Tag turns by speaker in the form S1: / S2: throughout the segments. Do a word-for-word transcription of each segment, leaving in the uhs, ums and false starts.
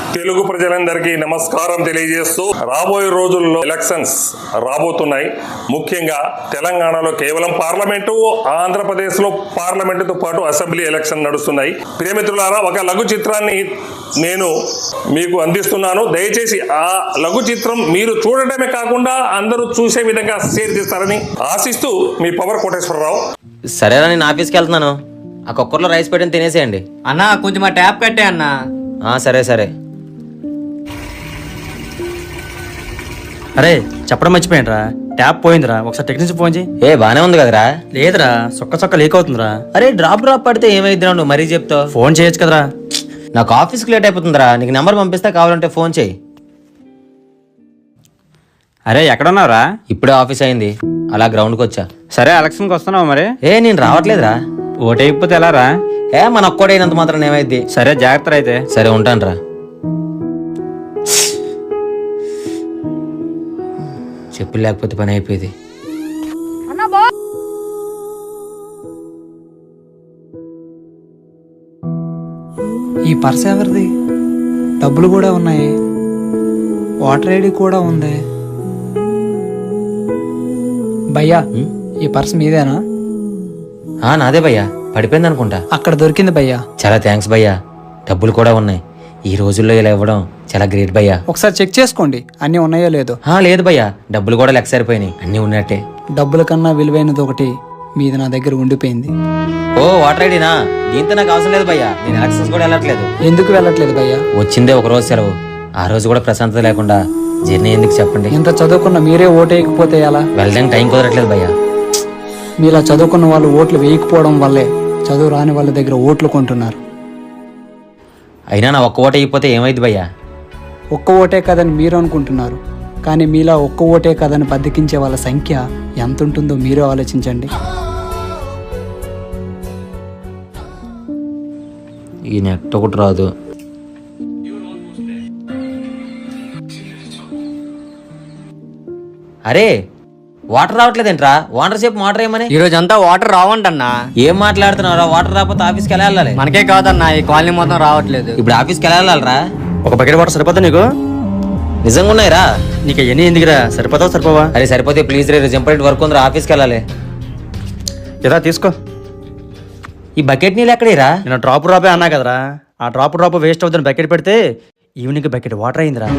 S1: తెలుగు ప్రజలందరికీ నమస్కారం తెలియజేస్తూ రాబోయే రోజుల్లో ఎలక్షన్స్ రాబోతున్నాయి. ముఖ్యంగా తెలంగాణలో కేవలం పార్లమెంటు, ఆంధ్రప్రదేశ్లో పార్లమెంటుతో పాటు అసెంబ్లీ ఎలక్షన్ నడుస్తున్నాయి. ప్రియమిత్రులారా, ఒక లఘు చిత్రాన్ని నేను మీకు అందిస్తున్నాను. దయచేసి ఆ లఘు చిత్రం మీరు చూడటమే కాకుండా అందరూ చూసే విధంగా షేర్ చేస్తారని ఆశిస్తూ మీ పవర్ కోటేశ్వరరావు.
S2: సరేనా, నేను ఆఫీస్కి వెళ్తున్నాను. ఆ కుక్కర్లో రైస్ పెట్టిన తినేసేయండి.
S3: అన్నా కొంచెం ఆ ట్యాప్ కట్టే అన్నా.
S2: సరే సరే.
S4: అరే చెప్పడం మర్చిపోయినరా, ట్యాప్ పోయిందిరా, ఒకసారి టెక్నీషియన్ ఫోన్ చేయి.
S2: ఏ బానే ఉంది కదరా?
S4: లేదురా, సొక్క సొక్క లీక్ అవుతుందిరా.
S2: అరే డ్రాప్ డ్రాప్ పడితే ఏమైద్దిరా, నువ్వు మరీ చెప్తావు.
S4: ఫోన్ చేయొచ్చు కదరా.
S2: నాకు ఆఫీస్కి లేట్ అయిపోతుందిరా, నీకు నెంబర్ పంపిస్తే కావాలంటే ఫోన్ చేయి.
S4: అరే ఎక్కడున్నావురా?
S2: ఇప్పుడే ఆఫీస్ అయింది, అలా గ్రౌండ్కి వచ్చా.
S4: సరే ఎలక్షన్కి వస్తున్నావు మరి?
S2: ఏ నేను రావట్లేదురా.
S4: ఓటైపోతే ఎలా రా?
S2: ఏ మన ఒక్కడైనంత మాత్రం ఏమైద్ది.
S4: సరే జాగ్రత్త అయితే.
S2: సరే ఉంటాను రా. చెప్పు లేకపోతే పని అయిపోయింది.
S5: ఈ పర్స్ ఎవరిది? డబ్బులు కూడా ఉన్నాయి, వాటర్ ఐడి కూడా ఉంది. భయ్యా ఈ పర్స్ మీదేనా?
S2: ఆ నాదే భయ్యా, పడిపోయింది అనుకుంటా.
S5: అక్కడ దొరికింది భయ్యా.
S2: చాలా థ్యాంక్స్ భయ్యా. డబ్బులు కూడా ఉన్నాయి. ఈ రోజుల్లో ఇలా ఇవ్వడం చాలా గ్రేట్ భయ్యా.
S5: ఒకసారి చెక్ చేసుకోండి అన్నీ ఉన్నాయో లేదో.
S2: ఆ లేదు భయ్యా, డబ్బులు కూడా లెక్క సరిపోయినాయి, అన్నీ ఉన్నట్టే.
S5: డబ్బుల కన్నా విలువైనది ఒకటి మీది నా దగ్గర ఉండిపోయింది.
S2: ఓ వాటర్ ఐడినా? దీంతో నాకు అవసరం లేదు భయ్యా, నేను ఎలక్షన్స్ కూడా వెళ్ళట్లేదు.
S5: ఎందుకు వెళ్ళట్లేదు భయ్యా?
S2: వచ్చిందే ఒక రోజు సెలవు, ఆ రోజు కూడా ప్రశాంతత లేకుండా జర్నీ ఎందుకు చెప్పండి.
S5: ఎంత చదువుకున్న మీరే ఓటు వేయకపోతే ఎలా?
S2: వెళ్ళడానికి టైం కుదరట్లేదు భయ్యా.
S5: మీలా చదువుకున్న వాళ్ళు ఓట్లు వేయకపోవడం వల్లే చదువు రాని వాళ్ళ దగ్గర ఓట్లు కొంటున్నారు.
S2: అయినా నా ఒక్క ఓట అయిపోతే ఏమైంది భయ్యా?
S5: ఒక్క ఓటే కదని మీరు అనుకుంటున్నారు, కానీ మీలా ఒక్క ఓటే కదని బద్దకించే వాళ్ళ సంఖ్య ఎంత ఉంటుందో మీరే ఆలోచించండి.
S2: ఈ నెట్ ఒకటి రాదు. అరే వాటర్ రావట్లేదేంట్రా? వాటర్ సేపు వాటర్ ఏమని?
S3: ఈ రోజు అంతా వాటర్ రావంటన్నా.
S2: ఏం మాట్లాడుతున్నారా? వాటర్ రాకపోతే ఆఫీస్కి ఎలా వెళ్ళాలి?
S3: మనకే కాదన్నా, ఈ కాలనీ మొత్తం రావట్లేదు.
S2: ఇప్పుడు ఆఫీస్కి ఎలా వెళ్ళాలరా?
S4: ఒక బకెట్ వాటర్ సరిపోతా నీకు?
S2: నిజంగా ఉన్నాయిరా?
S4: నీకు ఎన్ని ఎందుకురా? సరిపోతావు సరిపోవా?
S2: అరే సరిపోతే ప్లీజ్ రే, ఇంపార్టెంట్ వర్క్ ఉందిరా, ఆఫీస్కి వెళ్ళాలి.
S4: ఇదా తీసుకో.
S2: ఈ బకెట్ నీళ్ళు ఎక్కడేరా?
S4: నేను డ్రాప్ డ్రాపే అన్నా కదరా, ఆ డ్రాప్ డ్రాప్ వేస్ట్ అవుతుంది. బకెట్ పెడితే ఈవినింగ్ బకెట్ వాటర్ అయిందిరా.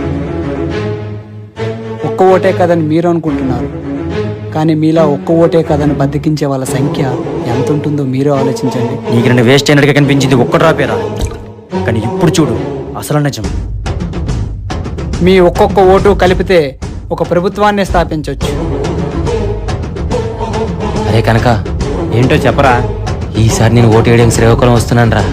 S5: ఒక్క ఓటే కదని మీరు అనుకుంటున్నారు, కానీ మీలా ఒక్క ఓటే కదని బద్దకించే వాళ్ళ సంఖ్య ఎంత ఉంటుందో మీరే ఆలోచించండి.
S4: నీకు రెండు వేస్ట్ అయినట్టుగా కనిపించింది ఒక్క డ్రాపేరా, కానీ ఇప్పుడు చూడు అసలు నిజం.
S5: మీ ఒక్కొక్క ఓటు కలిపితే ఒక ప్రభుత్వాన్ని స్థాపించవచ్చు.
S2: అరే కనుక
S4: ఏంటో చెప్పరా?
S2: ఈసారి నేను ఓటు వేయడానికి శ్రీకాకుళం వస్తున్నాను రా.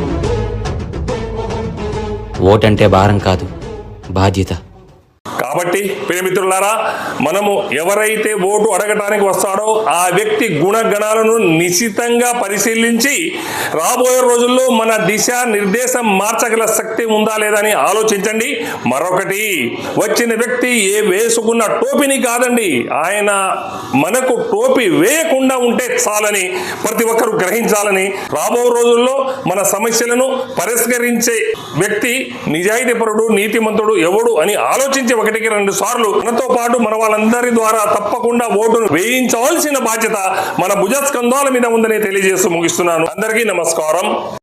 S2: ఓటంటే భారం కాదు, బాధ్యత. కాబట్టి ప్రియమిత్రులారా, మనము ఎవరైతే ఓటు అడగటానికి వస్తాడో ఆ వ్యక్తి గుణగణాలను నిశితంగా పరిశీలించి రాబోయే రోజుల్లో మన దిశ నిర్దేశం మార్చగల శక్తి ఉందా లేదా అని ఆలోచించండి. మరొకటి, వచ్చిన వ్యక్తి ఏ వేసుకున్న టోపీని కాదండి, ఆయన మనకు టోపీ వేయకుండా ఉంటే చాలని ప్రతి ఒక్కరూ గ్రహించాలని, రాబో రోజుల్లో మన సమస్యలను పరిష్కరించే వ్యక్తి నిజాయితీపరుడు, నీతిమంతుడు ఎవడు అని ఆలోచించి ఒకటికి రెండు సార్లు మనతో పాటు మన వాళ్ళందరి ద్వారా తప్పకుండా ఓటును వేయించాల్సిన బాధ్యత మన భుజస్కంధాల మీద ఉందని తెలియజేస్తూ ముగిస్తున్నాను. అందరికీ నమస్కారం.